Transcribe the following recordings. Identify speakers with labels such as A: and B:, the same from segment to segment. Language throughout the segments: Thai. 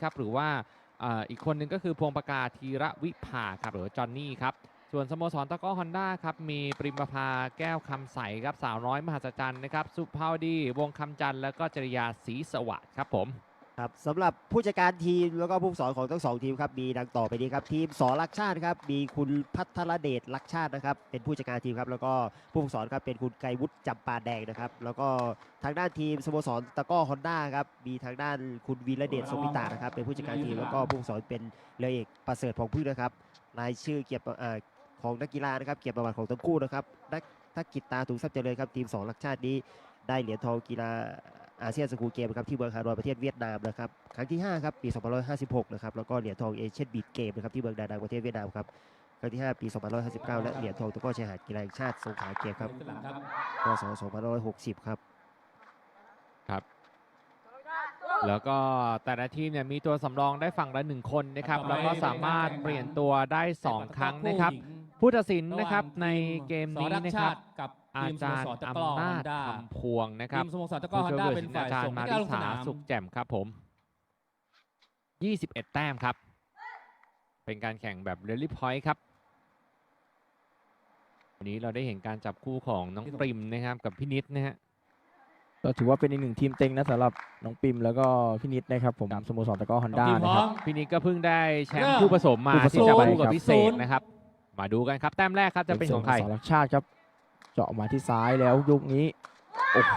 A: ครับหรือว่าอีกคนหนึ่งก็คือพวงประกาศธีระวิภาครับหรือจอนนี่ครับส่วนสโมสรตะกร้อฮอนด้าครับมีปริมประภาแก้วคำใสครับสาวน้อยมหัศจรรย์นะครับสุภาวดีวงคำจันทร์แล้วก็จริยาศรีสวัสดิ์ครับผม
B: ครับสำหรับผู้จัดการทีมแล้วก็ผู้ฝึกสอนของทั้ง2ทีมครับมีดังต่อไปนี้ครับทีมสอรักชาติครับมีคุณพัทรเดชรักชาตินะครับเป็นผู้จัดการทีมครับแล้วก็ผู้ฝึกสอนครับเป็นคุณไกรวุฒิจำปาแดงนะครับแล้วก็ทางด้านทีมสโมสรตะกร้อฮอนด้าครับมีทางด้านคุณวีระเดชสมิตานะครับเป็นผู้จัดการทีมแล้วก็ผู้ฝึกสอนเป็นเรือเอกประเสริฐพงษ์พืชนะครับรายชื่อเกียรติของนักกีฬานะครับเกียรติประวัติของทั้งคู่นะครับนักกิตตาถุงทรัพย์เจริญครับทีมสอรักชาตินี้ได้เหรียญทองกีฬาอาเซียนสกูลเกมครับที่เมืองฮานอยประเทศเวียดนามนะครับครั้งที่5ครับปี2556นะครับแล้วก็เหรียญทองเอเชียนบีดเกมนะครับที่เมืองดานังประเทศเวียดนามครับครั้งที่5ปี2559และเหรียญทองตะกร้อชายหาดกีฬาแห่งชาติสงขลาเกมครับพศ2560ครับ
A: ครับแล้วก็แต่ละทีมเนี่ยมีตัวสำรองได้ฝั่งละ1คนนะครับแล้วก็สามารถเปลี่ยนตัวได้2ครั้งนะครับผู้ตัดสินนะครับในเกมนี้นะครับอาจารย์อำนาจคำพวงนะครับ
C: ทีมสโมสรตะกร้อฮอนด้าเป็นฝ่ายส่งนักกีฬาลงสนาม
A: สุขแจ่มครับผม21 แต้มครับเป็นการแข่งแบบเรลลี่พอยต์ครับวันนี้เราได้เห็นการจับคู่ของน้องปริมนะครับกับพี่นิดนะฮะ
D: ก็ถือว่าเป็นอีกหนึ่งทีมเต็งนะสำหรับน้องปิมแล้วก็พี่นิดนะครับผมสโมสรตะกร้อฮอนด้านะครับ
A: พี่นิดก็เพิ่งได้แชมป์คู่ผสมมาที่จะคู่กับพิเศษนะครับมาดูกันครับแต้มแรกครับจะเป็นของใคร
D: สรักชาติครับเจาะมาที่ซ้ายแล้วยุคนี้โอ้โห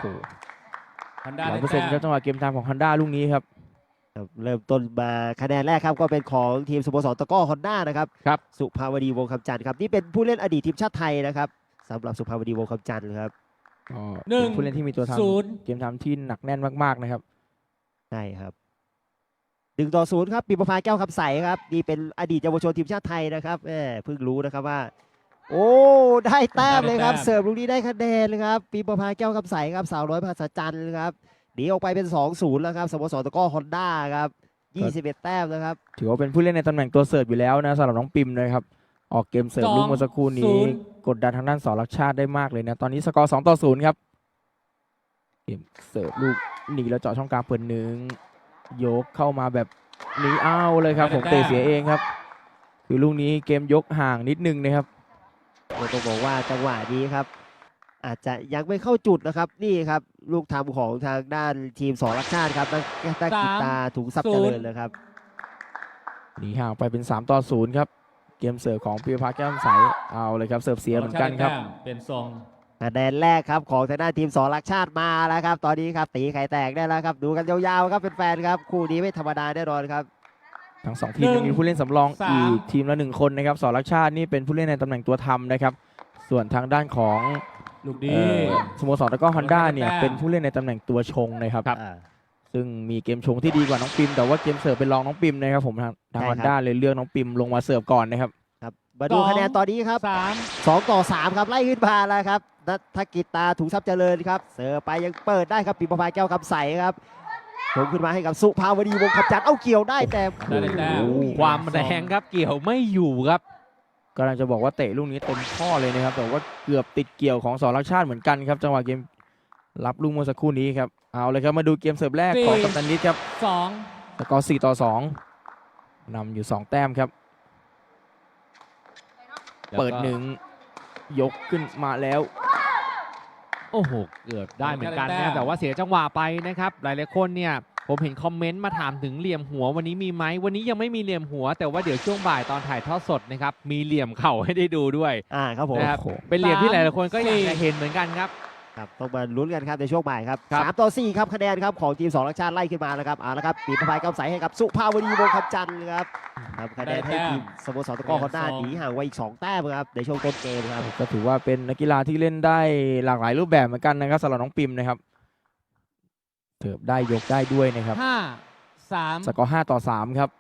D: 100%ครับจังหวะเกมทางของฮอนด้าลูกนี้ครับ
B: เริ่มต้นมาคะแนนแรกครับก็เป็นของทีมสโมสรตะกร้อฮอนด้านะครับสุภาวดีวงคำจันทร์ครับนี่เป็นผู้เล่นอดีตทีมชาติไทยนะครับสำหรับสุภาวดีวงคำจันทร์ครับ
D: ผู้เล่นที่มีตัวทำเกมทำที่หนักแน่นมากๆนะครับ
B: ใช่ครับ1-0ครับปีประภาแก้วคำใสครับนี่เป็นอดีตเยาวชนทีมชาติไทยนะครับเพิ่งรู้นะครับว่าโอ้ได้แต้มเลยครับเสิร์ฟลูกนี้ได้คะแนนเลยครับปีประภาแก้วคำใสครับสาวน้อยมหัศจรรย์ครับหนีออกไปเป็น 2-0 แล้วครับสโมสรตะกร้อฮอนด้าครับ21 แต้มนะครับ
D: ถือว่าเป็นผู้เล่นในตำแหน่งตัวเสิร์ฟอยู่แล้วนะสำหรับน้องปิมนะครับออกเกมเสิร์ฟลูกเมื่อสักครู่นี้กดดันทางด้านสอรักชาติได้มากเลยนะตอนนี้สกอร์2-0ครับเกมเสิร์ฟลูกหนีแล้วเจาะช่องกลางเปิดหนึ่งยกเข้ามาแบบนี้เอาเลยครับผมเตะเสียเองครับคือลูกนี้เกมยกห่างนิดนึงนะครับ
B: ต้องบอกว่าจังหวะนี้ครับอาจจะยังไม่เข้าจุดนะครับนี่ครับลูกทำของทางด้านทีมสอรักชาติครับนักกีตาถุงทรัพย์เจริญเลยครับ
D: หนีห่างไปเป็น3-0ครับเกมเสิร์ฟของปีภาแก้วใสเอาเลยครับเสิร์ฟเสียเหมือนกันครับ
C: เป็นทรง
B: คะแนนแรกครับของทางด้านทีมสอรักชาติมาแล้วครับตอนนี้ครับตีไข่แตกได้แล้วครับดูกันยาวๆครับเป็นแฟนครับคู่นี้ไม่ธรรมดาแน่นอนครับ
D: ทั้ง2ทีมยังมีผู้เล่นสำรองอีกทีมละ1คนนะครับสอรักชาตินี่เป็นผู้เล่นในตำแหน่งตัวทำนะครับส่วนทางด้านของ
C: ลูกดี
D: สโมสรตะกร้อฮอนด้าเนี่ยเป็นผู้เล่นในตำแหน่งตัวชงนะครับซึ่งมีเกมชงที่ดีกว่าน้องปิมแต่ว่าเกมเสิร์ฟเป็นรองน้องปิมนะครับผมทางฮอนด้าเลยเลือกน้องปิมลงมาเสิร์ฟก่อนนะครับ
B: มาดูคะแนนตอนนี้ครับ2-3ครับไล่ขึ้นมาแล้วครับนักกีตาถุงทรัพย์เจริญครับเสิร์ฟไปยังเปิดได้ครับปีประภาแก้วคำใสครับผมขึ้นมาให้กับสุภาวดีวงคำจันทร์เอาเกี่ยวได้แต่
A: ความแรงครับเกี่ยวไม่อยู่ครับ
D: กำลังจะบอกว่าเตะลูกนี้เต็มข้อเลยนะครับแต่ว่าเกือบติดเกี่ยวของสอรักชาติเหมือนกันครับจังหวะเกมรับลูกเมื่อสักครู่นี้ครับเอาเลยครับมาดูเกมเสิร์ฟแรกของกัปตันนิดครับสกอร์4-2นำอยู่2แต้มครับเปิดหนึ่งยกขึ้นมาแล้ว
A: โอ้โหเกือบได้เหมือนกันนะแต่ว่าเสียจังหวะไปนะครับหลายๆคนเนี่ยผมเห็นคอมเมนต์มาถามถึงเหลี่ยมหัววันนี้มีไหมวันนี้ยังไม่มีเหลี่ยมหัวแต่ว่าเดี๋ยวช่วงบ่ายตอนถ่ายทอดสดนะครับมีเหลี่ยมเข่าให้ได้ดูด้วย
B: ครับผม
A: เป็นเหลี่ยมที่หลายๆคนก็อยากจะเห็นเหมือนกันครับ
B: ต้องมาลุ้นกันครับในช่วงบ่ายครับ3-4ครับคะแนนครับของทีมสอรักชาติไล่ขึ้นมาแล้วครับเอาละครับปีประภาแก้วใสให้กับสุภาวดีวงคำจันทร์ครับคะแนนให้ทีมสโมสรตะกร้อฮอนด้าหนีห่างไว้อีก2 แต้มครับในช่วงต้นเกมครับ
D: ก็ถือว่าเป็นนักกีฬาที่เล่นได้หลากหลายรูปแบบเหมือนกันนะครับสำหรับน้องปิมนะครับเสิร์ฟได้ยกได้ด้วยนะครับสกอร์5-3ครับ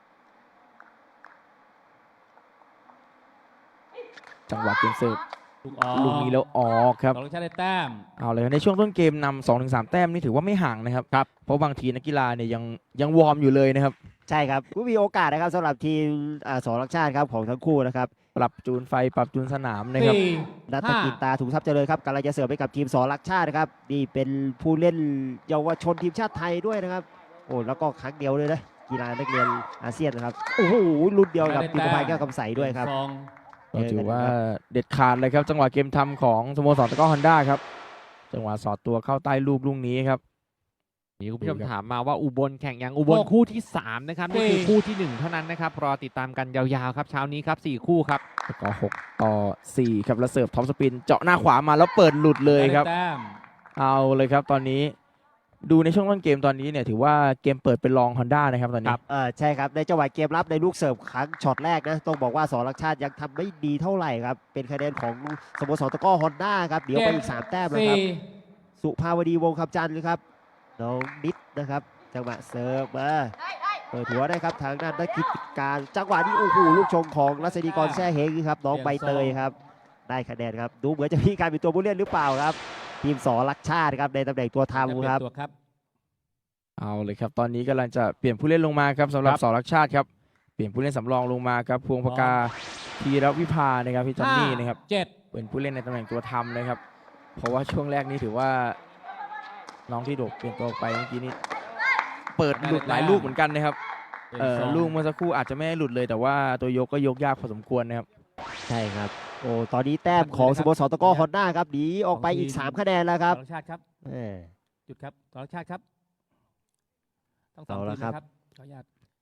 D: จังหวะเกมเสิร์ฟลูกนี้แล้วออกครับ
C: สอรักชาติได้แต้ม
D: เอาเลยในช่วงต้นเกมนำ2-3 แต้มนี่ถือว่าไม่ห่างนะครับเพราะบางทีนักกีฬาเนี่ยยังวอร์มอยู่เลยนะครับ
B: ใช่ครับก็มีโอกาสนะครับสำหรับทีมสอรักชาติครับของทั้งคู่นะครับ
D: ปรับจูนไฟปรับจูนสนามนะครับ
B: นักกีตาถุงทรัพย์เจริญครับกำลังจะเสิร์ฟไปกับทีมสอรักชาตินะครับนี่เป็นผู้เล่นเยาวชนทีมชาติไทยด้วยนะครับโอ้แล้วก็ครั้งเดียวเลยนะกีฬานักเรียนอาเซียนนะครับโอ้โหรุ่นเดียวกับปิมพายแก้วคำใสด้วยครับ
D: ก็ถือว่าเด็ดขาดเลยครับจังหวะเกมทำของสโมสรตะกร้อฮอนด้าครับจังหวะสอดตัวเข้าใต้ลูกลูกนี้ครับ
A: มีคุณผู้ชม
D: ดูครับ
A: ถามมาว่าอุบลแข่งยังอุบล
C: หก
A: คู่ที่ 3 นะครับ นี่คือ
C: สี่
A: คู่ที่ 1 เท่านั้นนะครับ รอติดตามกันยาวๆครับ เช้านี้ครับ 4 คู่ครับ
D: แล้วก็6-4ครับแล้วเสิร์ฟท็อปสปินเจาะหน้าขวามาแล้วเปิดหลุดเลยครับ
C: ได้แต้ม
D: เอาเลยครับตอนนี้ดูในช่วงต้นเกมตอนนี้เนี่ยถือว่าเกมเปิดเป็นรองฮอนด้านะครับตอนนี้
B: ใช่ครับในจังหวะเกมรับในลูกเสิร์ฟครั้งช็อตแรกนะต้องบอกว่าสอรักชาติยังทำไม่ดีเท่าไหร่ครับเป็นคะแนนของสโมสรตะกร้อฮอนด้าครับเดี๋ยวไปอีก3 แต้มนะครับ
C: สี่
B: สุภาวดีวงคำจันทร์ครับน้องนิดนะครับจังหวะเสิร์ฟมาเปิดหัวได้ครับทางด้านนักกิจการจังหวะนี้โอ้โหลูกชงของรัศดีกรแซ่เฮงครับน้องใบเตยครับได้คะแนนครับดูเหมือนจะมีการเป็นตัวผู้เล่นหรือเปล่าครับทีมสอรักชาติครับในตำแหน่งตัวทำครับ
C: ตัวครับ
D: เอาเลยครับตอนนี้กำลังจะเปลี่ยนผู้เล่นลงมาครับสำหรับ
A: ครับ
D: สอรักชาติครับเปลี่ยนผู้เล่นสำรองลงมาครับพวงพกาธีรวิภานะครับพี่จอนนี่นะครับ
C: เจ็ด
D: เป็นผู้เล่นในตำแหน่งตัวทำนะครับ เพราะว่าช่วงแรกนี้ถือว่าน้องที่โดดเปลี่ยนตัวไปเมื่อกี้นี้เปิดหลุดหลายลูกเหมือนกันนะครับ ลูกเมื่อสักครู่อาจจะไม่ให้หลุดเลย แต่ว่าตัวยกก็ยกยากพอสมควรนะครับ
B: ใช่ครับโอ้ตอนนี้แต้มของสโมสรตะกร้อฮอนด้าครับหนีออกไปอีก3 คะแนนแล้วครับ
C: ต่อชาติครับ
B: เออ
C: จุดครับต่อชาติครับต้องสอง
B: เอา
C: ที
B: ละ
C: ม
B: ครับ
C: นะครับขออนุญาต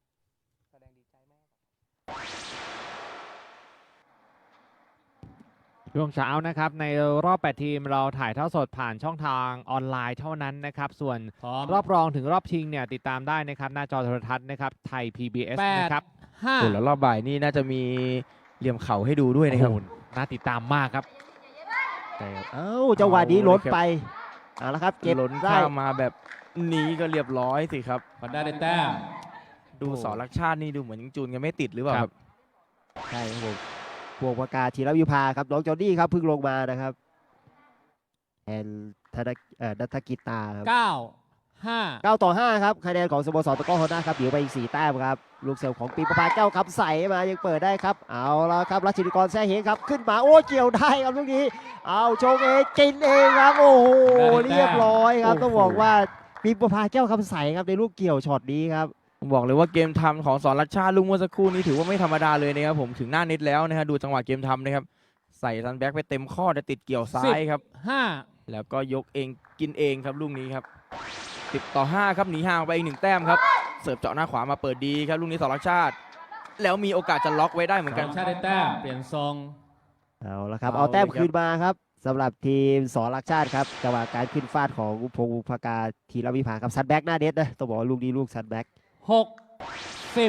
A: ช่วงเช้านะครับ ในรอบ 8 ทีมเราถ่ายทอดสดผ่านช่องทางออนไลน์เท่านั้นนะครับ ส่วน
C: พร้อม
A: รอบรองถึงรอบชิงเนี่ยติดตามได้นะครับ หน้าจอโทรทัศน์นะครับไทย PBS
C: แปด
A: นะครับ
C: ห้า
D: โอ้แล้วรอบบ่ายนี่น่าจะมีเหลี่ยมเข่าให้ดูด้วยนะครับ
A: โอ้โหน่าติดตามมากครับ
B: ใช่ครับเอ้าจังหวะนี้ล้นไปเอาละครับเก็บ
D: ล้น
B: ได้
D: ข้ามมาแบบนี้ก็เรียบร้อยสิครับ
C: ฮอนด้าได้แต้ม
D: ดูสอรักชาตินี่ดูเหมือนยังจูนกันไม่ติดหรือเปล่าครับ
B: ใช่ครับผมพวงประกาศธีรวิภาครับน้องจอห์นนี่ครับเพิ่งลงมานะครับแทนนัทกิตาครับ
C: เก้าห้า
B: 9-5ครับคะแนนของสโมสรตะกร้อฮอนด้าครับเดี๋ยวไปอีก4 แต้มครับลูกเสิร์ฟของปีประภาแก้วคำใสมายังเปิดได้ครับเอาละครับรัชนิกรแซ่เฮงครับขึ้นมาโอ้เกี่ยวได้ครับลูกนี้เอาชงเองกินเองครับโอ้โหเรียบร้อยครับต้องบอกว่าปีประภาแก้วคำใสครับในลูกเกี่ยวช็อตนี้ครับ
D: ผมบอกเลยว่าเกมทำของสอนรัชชาติลุงเมื่อสักครู่นี้ถือว่าไม่ธรรมดาเลยนะครับผมถึงหน้าเน็ตแล้วนะฮะดูจังหวะเกมทำนะครับใส่ซันแบ็กไปเต็มข้อแต่ติดเกี่ยวซ้ายครับ
C: ห้า
D: แล้วก็ยกเองกินเองครับลูกนี้ครับ10-5ครับหนีห่างไปอีก1 แต้มครับเสิร์ฟเจาะหน้าขวามาเปิดดีครับลูกนี้สอนรัชชาติ แล้วมีโอกาสจะล็อกไว้ได้เหมือน
C: ต่
D: กั
C: อน ชาติได้แต้มเปลี่ยนทรง
B: เอาละครับ
D: เอา
B: เอาแต้ม
D: เลยครับ
B: คืนมาครับสำหรับทีมสอรักชาติครับจังหวะการขึ้นฟาดของพงศ์ภากาธีรวิภาครับซัดแบ็กหน้าเน็ตนะต้องบอกว่าลูกนี้ลูกซัดแบ็ก
C: หกสิบ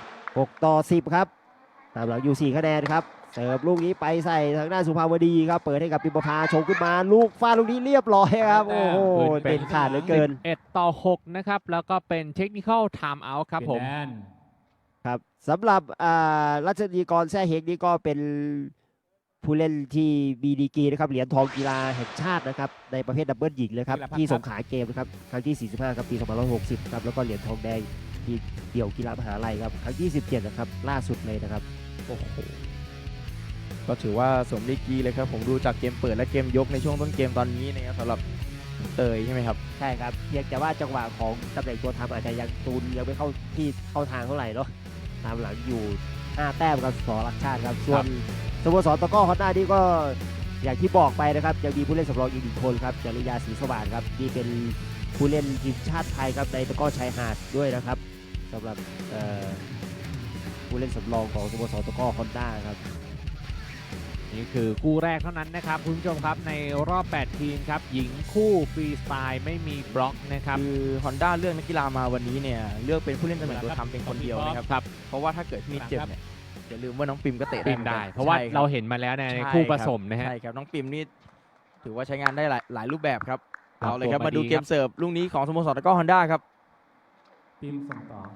B: 6-10ครับตามหลังอยู่4 คะแนนครับเสิร์ฟลูกนี้ไปใส่ทางด้านสุภาวดีครับเปิดให้กับปิมประภาชงขึ้นมาลูกฟาดลูกนี้เรียบร้อยครับโอ้โหเป็นขาดเหลือเกิน
A: 11-6 นะครับ แล้วก็เป็นเทคนิคอลไทม์เอาท์ครับผม
C: เปลี่ยนแดน
B: ครับสำหรับรัชนีกรแซ่เฮงนี่ก็เป็นผู้เล่นที่มีดีกรีนะครับเหรียญทองกีฬาแห่งชาตินะครับในประเภทดับเบิลหญิงเลยครับที่สงขลาเกมนะครับครั้งที่ 45 ครับปี 2560 ครับแล้วก็เหรียญทองแดงที่เดี่ยวกีฬามหาลัยครับครั้งที่ 17 นะครับล่าสุดเลยนะครับ
D: โอ้โหก็ถือว่าสมดีกรีเลยครับผมดูจากเกมเปิดและเกมยกในช่วงต้นเกมตอนนี้นะครับสำหรับเตยใช่ไหมครับ
B: ใช่ครับเพียงแต่ว่าจังหวะของตำแหน่งตัวทำอาจจะยังตูนยังไม่เข้าที่เข้าทางเท่าไหร่เนาะตามหลังอยู่ 5 แต้มกับสอรักชาติครับส่วนสโมสรตะกร้อฮอนด้านี่ก็อย่างที่บอกไปนะครับยังมีผู้เล่นสำรองอีก1 คนครับจริยาศรีสว่างครับนี่เป็นผู้เล่นทีมชาติไทยครับในตะกร้อชายหาดด้วยนะครับสำหรับผู้เล่นสำรองของสโมสรตะกร้อฮอนด้าครับ
A: นี่คือคู่แรกเท่านั้นนะครับคุณผู้ชมครับในรอบ 8 ทีมครับ หญิงคู่ฟรีสไตล์ไม่มีบล็อกนะครับ
D: คือ Honda เลือกนักกีฬามาวันนี้เนี่ยเลือกเป็นผู้เล่นตำแหน่งตัวทำเป็นคนเดียวนะครับ
A: ครับ
D: เพราะว่าถ้าเกิดมีเจ็บเนี่ยอย่าลืมว่าน้องปิมก็เตะ
A: ปิ
D: ได้
A: ม
D: หมือน
A: ได้
D: กัน
A: เพราะว่า
D: ใช่คบ
A: เราเห็นมาแล้วใน
D: ใช่
A: คู่ผ
D: รับ
A: สมนะฮะ
D: ใช่ครับน้องปิมนี่ถือว่าใช้งานได้หลายรูปแบบครับ
A: ครับ
D: เอาเลยครับ
A: ผม
D: มาดู
A: ดี
D: เก
A: ครั
D: ม
A: บ
D: เสิร์ฟลูกนี้ของสโมสรตะกร้อ Honda ครับ
C: พิมพ์ส่งต่อ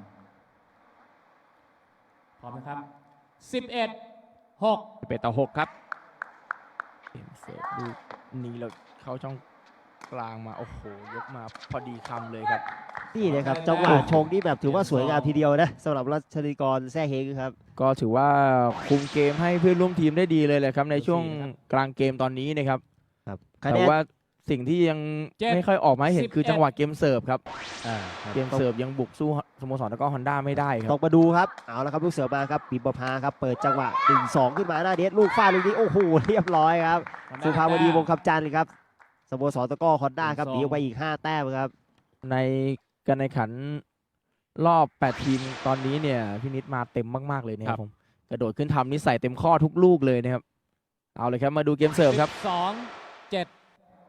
C: พร้อมนะครับ11-6
A: 11-6 ครับ
D: เกมเสิร์ฟลูกนี้เราเข้าช่องกลางมาโอ้โหยกมาพอดีคำเลยครับ
B: นี่นะครับจังหวะชงนี่แบบถือว่าสวยงามทีเดียวนะสำหรับรัชนีกรแซ่เฮงครับ
D: ก็ถือว่าคุมเกมให้เพื่อนร่วมทีมได้ดีเลยแหละครับในช่วงกลางเกมตอนนี้นะครับ
B: ครับคะ
D: แต่
B: แนน
D: ว่าสิ่งที่ยัง
C: เจ็ด
D: ไม่ค่อยออกมาให้เห็นคือ
C: 11
D: จังหวะเกมเสิร์ฟครับ
B: ครับ
D: เกมเสิร์ฟยังบุกสู้สโมสรตะกร้อฮอนด้าไม่ได้ค
B: ต้
D: รั
B: อบ งมาดูครับเอาละครับลูกเสือมาครับปิมประภาครับเปิดจังหวะ 1-2 ขึ้นมาหน้าเน็ตลูกฟาดลูกนี้โอ้โหเรียบร้อยครับสุภาวดีวงคำจันทร์ครับสโมสรตะกร้อฮอนด้าครับหนีออกไปอีก 5 แต้มครับ
D: ในการแข่งขันรอบ 8 ทีมตอนนี้เนี่ยพี่นิดมาเต็มมากๆเลยนะค
A: ครั
D: รับบ ผมกระโดดขึ้นทำนี่ใส่เต็มข้อทุกลูกเลยนะครับเอาเลยครับมาดูเกมเสิร์ฟครับ
C: 12 7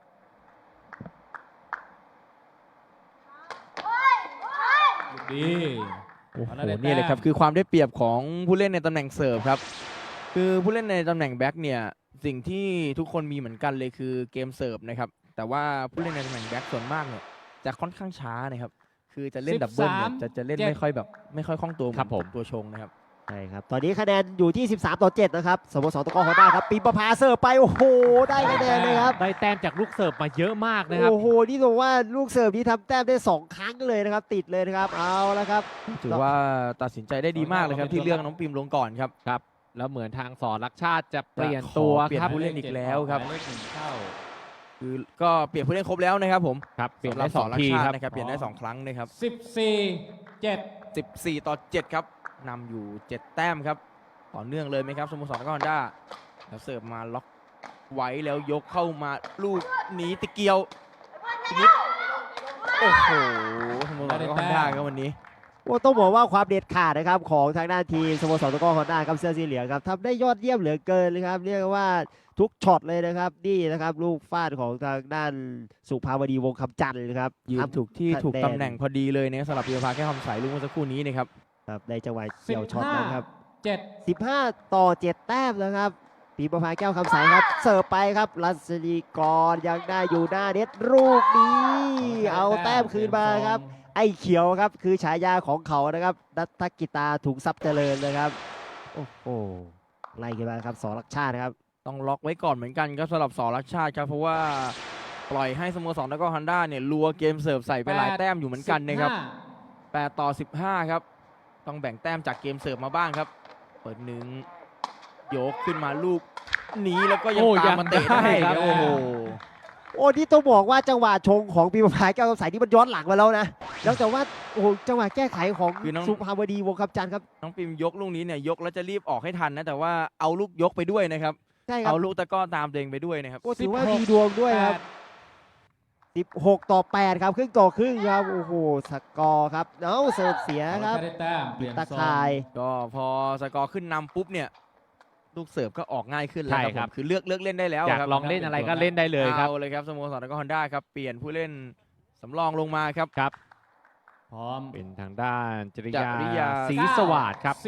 C: ดี
D: โอ้โห
C: เอาละได้แต้ม
D: นี่เลยครับคือความได้เปรียบของผู้เล่นในตำแหน่งเสิร์ฟครับคือผู้เล่นในตำแหน่งแบ็กเนี่ยสิ่งที่ทุกคนมีเหมือนกันเลยคือเกมเสิร์ฟนะครับแต่ว่าผู้เล่นในตำแหน่งแบ็กส่วนมากเนี่ยจะค่อนข้างช้านะครับคือจะเล่นดับเบิลเนี่ย
C: 13
D: จะเล่น
C: 7
D: ไม่ค่อยคล่องตัวเหมือน
A: ครับผม
D: ตัวชงนะครับ
B: ใช่ครับตอนนี้คะแนนอยู่ที่ 13-7 นะครับสโมสรตะกร้อฮอนด้าครับปิมประภาเสิร์ฟไปโอ้โหได้คะแนนเลยครับ
A: ได้แต้มจากลูกเสิร์ฟมาเยอะมากนะครับ
B: โอ้โหนี่บอกว่าลูกเสิร์ฟนี้ทำแต้มได้ 2 ครั้งเลยนะครับติดเลยนะครับเอาละครับ
D: ถือว่าตัดสินใจได้ดีมากเลยครับที่เลือกน้องปิมลงก่อนครับ
A: ครับ แล้วเหมือนทางสอนรักชาติจะเปลี่ยนตัว
D: ขอเปลี่ยน
A: ครับ
D: ผู้เล่นอีกแล้วครับ
C: หมายเลขหนึ่งเข้า
D: คือก็เปลี่ยนผู้เล่นครบแล้วนะครับผม
A: ครับเปลี่ยน
D: สำหรั
A: ได้
D: บ
A: สอง
D: รัก
A: ที
D: ชา
A: ค
D: ติ
A: รับ
D: นะครับเปลี่ยนได้ 2 ครั้งนะครับ
C: 14 7
D: 14-7ครับนำอยู่ 7 แต้มครับต่อเนื่องเลยไหมครับสโมสรตะกร้อฮอนด้าแล้วเสิร์ฟมาล็อกไว้แล้วยกเข้ามาลูกหนีตะเกียวนิดโอ้โหสโมสรตะกร้อฮอนด้าครับวันนี้
B: โอ้ต้องบอกว่าความเด็ดขาดนะครับของทางด้านทีมสโมสรตะกร้อฮอนด้าครับเสื้อสีเหลืองครับทำได้ยอดเยี่ยมเหลือเกินเลยครับเรียกว่าทุกช็อตเลยนะครับนี่นะครับลูกฟาดของทางด้านสุภาวดีวงคำจันทร์นะครับ
D: ยืน
B: ทำ
D: ถูกที่
B: คะแนน
D: ถูกตำแหน่งพอดีเลยนะครับสำหรับพีรพาแก้วคำใสลูกเมื่อสักครู่นี้นะครับ
B: ครับในจังหวะเกี่ยวช็อตนะครับ
C: 7
B: 15-7 แต้มนะครับปีประภาแก้วคำใสครับเสิร์ฟไปครับรัศดีกรยังได้อยู่หน้าเน็ตลูกนี้เอาแต้มคืนมาครับไอ้เขียวครับคือฉายาของเขานะครับนัทกิตาถุงทรัพย์เจริญนะครับโอ้โหไล่กันมาครับสอรักชาติครับ
D: ต้องล็อกไว้ก่อนเหมือนกันครับสำหรับสอรักชาติครับเพราะว่าปล่อยให้สโมสรตะกร้อฮอนด้าเนี่ยลัวเกมเสิร์ฟใส่ไปหลายแต้มอยู่เหมือนกันนะครับ8-15ครับต้องแบ่งแต้มจากเกมเสิร์ฟมาบ้างครับเปิดหนึ่งยกขึ้นมาลูกหนีแล้วก็ยัง
A: โอ้
D: ตามมาเตะ
A: ยังได้
D: ได้ค
A: ครั
D: รับบ โอ้โห
B: โอ้นี่ต้องบอกว่าจังหวะชงของปีประภาแก้วคำใสนี่มันย้อนหลังมาแล้วนะแล้วแต่ว่าโอ้โหจังหวะแก้ไขของสุภาวดีวงคำจันทร์ครับ
D: น้องปิมยกลูกนี้เนี่ยยกแล้วจะรีบออกให้ทันนะแต่ว่าเอาลูกยกไปด้วยนะครับ
B: ใช่ครับ
D: เอาลูกตะกร้อตามตัวเองไปด้วยนะครับ
B: โอ้ถือว่ามีดวงด้วยครับ 16-8 ครับครึ่งต่อครึ่งครับโอ้โหสกอร์ครับเอ้าเสิร์ฟเสียครับ
C: ได้แต้มเปลี่ยน
B: ตะ
C: ทรง
B: ข่าย
D: ก็พอสกอร์ขึ้นนำปุ๊บเนี่ยลูกเสิร์ฟก็ออกง่ายขึ้นแล้ว
A: ใช่
D: ครับ
A: ครับ
D: ผมคือเลือกเล่นได้แล้ว
A: อยาก
D: ครับ
A: ลองเล่นอะไรก็เล่นได้เลยครับ
D: เอาเลยครับสโมสรตะกร้อฮอนด้าครับเปลี่ยนผู้เล่นสำรองลงมาครับ
A: ครับ
C: พร้อม
A: เป็นทางด้านจริ
D: จริยา
A: ยาศรีสวัสดิ์ครับ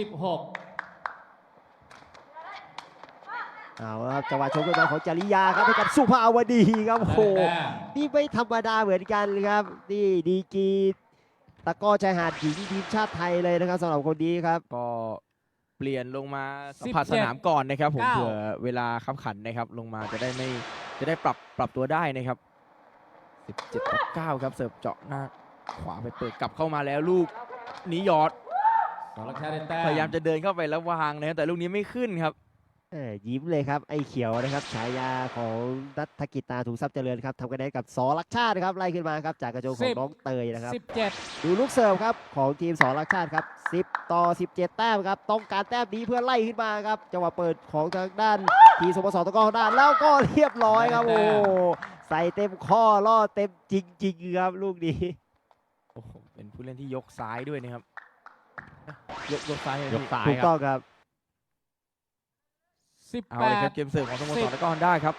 B: เอาละครับจังหวะชกขึ้นมาของจริยาครับให้กับสุภาวดีครับ
C: 16
B: โอ้โหนี่ไม่ธรรมดาเหมือนกันเลยครับนี่ดีกรีตะกร้อชายหาดหญิงทีมชาติไทยเลยนะครับสำหรับคนนี้ครับ
D: ก็เปลี่ยนลงมาสัมผัสสนามก่อนนะครับผม
C: 9
D: เผื่อเวลาคับขันนะครับลงมาจะได้ปรับตัวได้นะครับ17-9ครับเสิร์ฟเจาะหน้าขวาไปเปิดกลับเข้ามาแล้วลูกหนีหยอด
C: สองลักชาติได้แต้ม
D: พยายามจะเดินเข้าไปแล้ววางนะครับแต่ลูกนี้ไม่ขึ้นครับ
B: ยิ้มเลยครับไอ้เขียวนะครับฉายาของนัทกิตาถุงทรัพย์เจริญครับทำคะแนนกับสอรักชาติครับไล่ขึ้นมาครับจากกระโจนของน้องเตยนะครับ
C: 17
B: ดูลูกเสิร์ฟครับของทีมสอรักชาติครับ10-17 แต้มครับต้องการแต้มนี้เพื่อไล่ขึ้นมาครับจังหวะเปิดของทางด้านทีมสโมสรตะกร้อด้านแล้วก็เรียบร้อยครับโอ้ใส่เต็มข้อล่อเต็มจริงๆครับลูกนี้
D: โอ้โหเป็นผู้เล่นที่ยกซ้ายด้วยนะครับยกซ้ายเลย
A: ยก
D: พี่
A: ซ้าย
B: ถูก
A: ค
B: ต้
A: รั
B: อบ งครับ
D: เอาเลยครับ
C: 18
D: เกมเสิร์ฟของสโมสรตะกร้อฮอนด้าครับ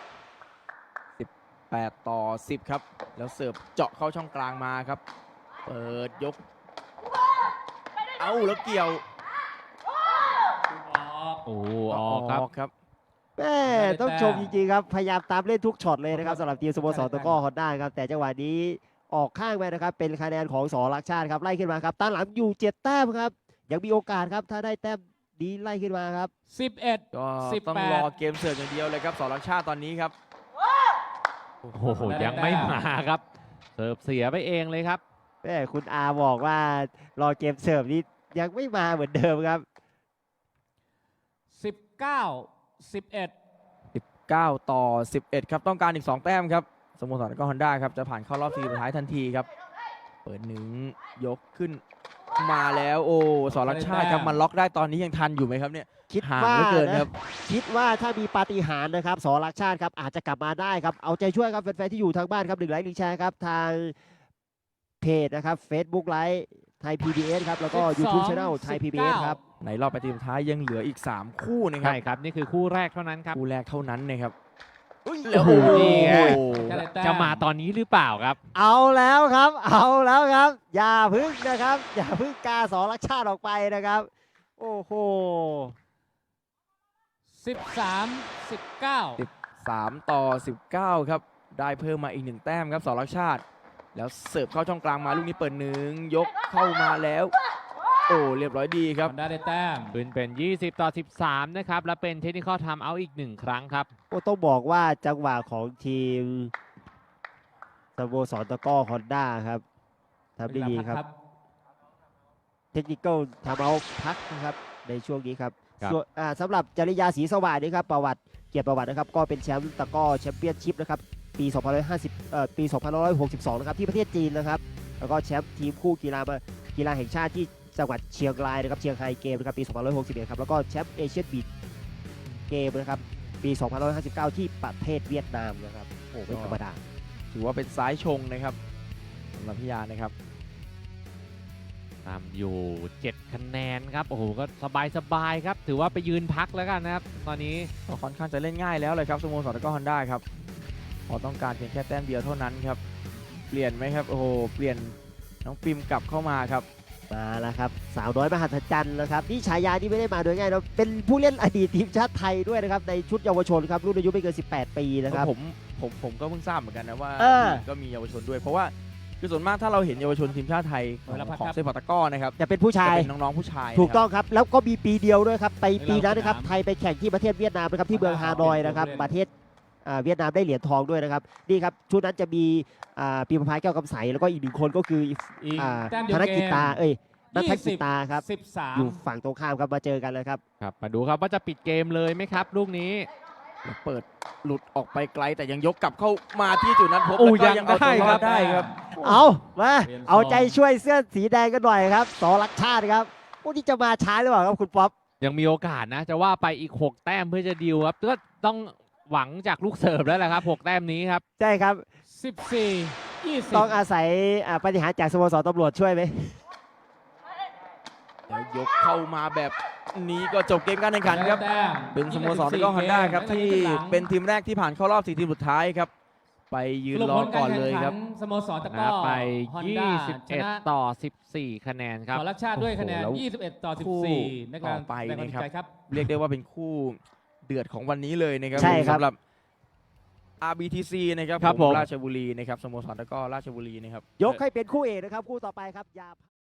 D: 18-10ครับแล้วเสิร์ฟเจาะเข้าช่องกลางมาครับเปิดยกเอาแล้วเกี่ยว
C: ออก
A: โอ้ออกครับ
D: ครับ
B: แม่ต้องชมจริงๆครับพยายามตามเล่นทุกช็อตเลยนะครับสำหรับทีมสโมสรตะกร้อฮอนด้าครับแต่จังหวะนี้ออกข้างไปนะครับเป็นคะแนนของสอรักชาติครับไล่ขึ้นมาครับตั้งหลังอยู่7 แต้มครับยังมีโอกาสครับถ้าได้แต้มดีไล่ขึ้นมาครับ
C: 11
D: ก็
C: 18
D: ต้องรอเกมเสิร์ฟอย่างเดียวเลยครับสอรักชาติตอนนี้ครับ
A: โอ้โหยังไม่มาครับ เสิร์ฟเสียไปเองเลยครับ
B: แม่คุณอาบอกว่ารอเกมเสิร์ฟนี้ยังไม่มาเหมือนเดิมครับ
C: 19 11
D: 19-11ครับต้องการอีก2 แต้มครับสโมสรตะกร้อฮอนด้าครับจะผ่านเข้ารอบ4สุดท้ายทันทีครับเปิดหนึ่งยกขึ้นมาแล้วโอ้สรชาติครับมันล็อกได้ตอนนี้ยังทันอยู่ไหมครับเนี่ย
B: คิด
D: ห่าง
B: ว่า
D: เหลือเกิน
B: นะครับ คิดว่าถ้ามีปาฏิหาริย์นะครับสรักชาติครับอาจจะกลับมาได้ครับเอาใจช่วยครับแฟนๆที่อยู่ทางบ้านครับ1 ไลค์1 แชร์ครับทางเพจนะครับ Facebook ไลฟ์ไทย PBS ครับแล้วก็ YouTube Channel ไทย PBS ครับ
D: ในรอบ8ทีมสุดท้ายยังเหลืออีก3คู่นะครั
A: ใช่ครับนี่คือคู่แรกเท่านั้นครับ
D: คู่แรกเท่านั้นนะครับ
A: โอ้โหนี่ไง
C: จะได้แต้ม
A: จะมาตอนนี้หรือเปล่าครับ
B: เอาแล้วครับ เอาแล้วครับ อย่าพึ่งนะครับ อย่าพึ่งกาสรักชาติออกไปนะครับ โอ้โห
C: 13-19
D: 3ต่อ 19 ครับ ได้เพิ่มมาอีก1แต้มครับสรชาติ แล้วเสิร์ฟเข้าช่องกลางมาลูกนี้เปิดหนึ่งยกเข้ามาแล้ว โอ้เรียบร้อยดีครับ
C: ฮอนด้าได้แต้ม
A: ปืนเป็น 20 ต่อ 13 นะครับ และเป็นเทคนิคอลไทม์เอาท์อีก 1 ครั้งครับ
B: ก็ต้องบอกว่าจังหวะของทีมสโมสรตะกร้อฮอนด้าครับทำได้ดีครับ เทคนิคทำเอาพักนะครับในช่วงนี้ครับ
A: ครับ
B: ส่วนสำหรับจริยาศรีสว่างนี่ครับประวัติเกียรติประวัตินะครับก็เป็นแชมป์ตะกร้อแชมเปี้ยนชิพนะครับปี2562นะครับที่ประเทศจีนนะครับแล้วก็แชมป์ทีมคู่กีฬาแห่งชาติที่จังหวัดเชียงรายนะครับเชียงรายเกมนะครับปี2561ครับแล้วก็แชมป์เอเชียนบีชเกมนะครับปี2559ที่ประเทศเวียดนามนะครับโอ้ไม่ธรรมดา
D: ถือว่าเป็นซ้ายชงนะครับสำหรับพิยานะครับ
A: ตามอยู่ 7 คะแนนครับ โอ้โห ก็สบายๆครับ ถือว่าไปยืนพักแล้วกันนะครับ ตอนนี้
D: ก็ค่อนข้างจะเล่นง่ายแล้วเลยครับสโมสรตะกร้อฮอนด้าครับพอต้องการเพียงแค่แต้มเดียวเท่านั้นครับเปลี่ยนไหมครับโอ้โหเปลี่ยนน้องปิมกลับเข้ามาครับ
B: มาแล้วครับสาวน้อยมหัศจรรย์นะครับนี่ฉายาที่ไม่ได้มาโดยง่ายนะเป็นผู้เล่นอดีตทีมชาติไทยด้วยนะครับในชุดเยาวชนครับรุ่นอายุไม่เกิน 18 ปีนะครับ
D: ผมก็เพิ่งทราบเหมือนกันนะว่า
B: เออ
D: ก็มีเยาวชนด้วย เพราะว่าคือส่วนมากถ้าเราเห็นเยาวชนทีมชาติไทยของเซปัตตะกร้อนะครับ
B: จะเป็นผู้
D: จะ
B: ชาย
D: เป็นน้องๆผู้ชาย
B: ถูกต้
D: นะ
B: องครับแล้วก็มีปีเดียวด้วยครับไปปีนั้นนะครับ
C: ในรอบสนาม
B: ไทยไปแข่งที่ประเทศเวียดนามนะครับที่เมือง
C: อ่า
B: ฮานอยนะครับ
C: เป็นผู้เล่น
B: ประเทศเวียดนามได้เหรียญทองด้วยนะครับนี่ครับชุดนั้นจะมีปีประภาแก้วกำใสแล้วก็อีก1 คนก็คือ
C: อีก
B: อ่า
C: แต้มเดีย
B: ธ
C: วน
B: กิจตานัทกิจตาครับ
C: 13
B: อยู่ฝั่งตรงข้ามครับมาเจอกันเลยครับ
A: ครับ มาดูครับว่าจะปิดเกมเลยไหมครับ ลูกนี้
D: เปิดหลุดออกไปไกลแต่ยังยกกลับเข้ามาที่จุดนั้นพบ
A: โอ้
D: แล้วก็
A: ยัง
D: เอาตัวร
A: ได้ค
D: อ
A: รั
D: ด
A: บ
D: ได้ครับ
B: เอามา
C: เปลี่ยน
B: เอา
C: ทรง
B: ใจช่วยเสื้อสีแดงกันหน่อยครับสรักชาติครับโอ้นี่จะมาช้าหรือเปล่าครับคุณป๊อป
A: ยังมีโอกาสนะ จะว่าไปอีก 6 แต้มเพื่อจะดีลครับก็ต้องหวังจากลูกเสิร์ฟแล้วแหละครับ 6 แต้มนี้ครับ
B: ใช่ครับ
C: 14
B: ต้อง
C: 20
B: อาศัยปฏิหารย์จากสโมสรตำรวจช่วยไหม
D: แล้วยกเข้ามาแบบนี้ก็จบเกมการแข่งขันครับ
C: แต้ม
D: เป็นสโมสรตะกร้อฮอนด้าครับที่เป็นทีมแรกที่ผ่านเข้ารอบ4ทีมสุดท้ายครับ ไปยืน
C: สรุป
D: รอ
C: ผล
D: ก่
C: กา
D: อน
C: ร
D: เลย
C: แข่ง
D: ค
C: ขั
D: รับ
C: นสโมสรตะก
A: นะ
C: ร้อ
A: ไป
C: ฮอนด้าชนะ
A: 21 ต่อ 14 คะแนนครับ
C: สรชาติด้วยคะแนน
D: โอ้โหแล้ว
C: 21 ต่อ
D: คู่
C: 14ในการ
D: ต่อไป
C: แรงบันดาล
D: นะครับ
C: ใจครับ
D: เรียกได้ว่าเป็นคู่เดือดของวันนี้เลยนะครับ
B: ใช่ครับ
D: สำหรับ RBTC นะครับ
A: ครับผม
D: ราชบุรีนะครับสโมสรตะกร้อราชบุรีนะครับ
B: ยกให้เป็นคู่เอกนะครับคู่ต่อไปครับอย่า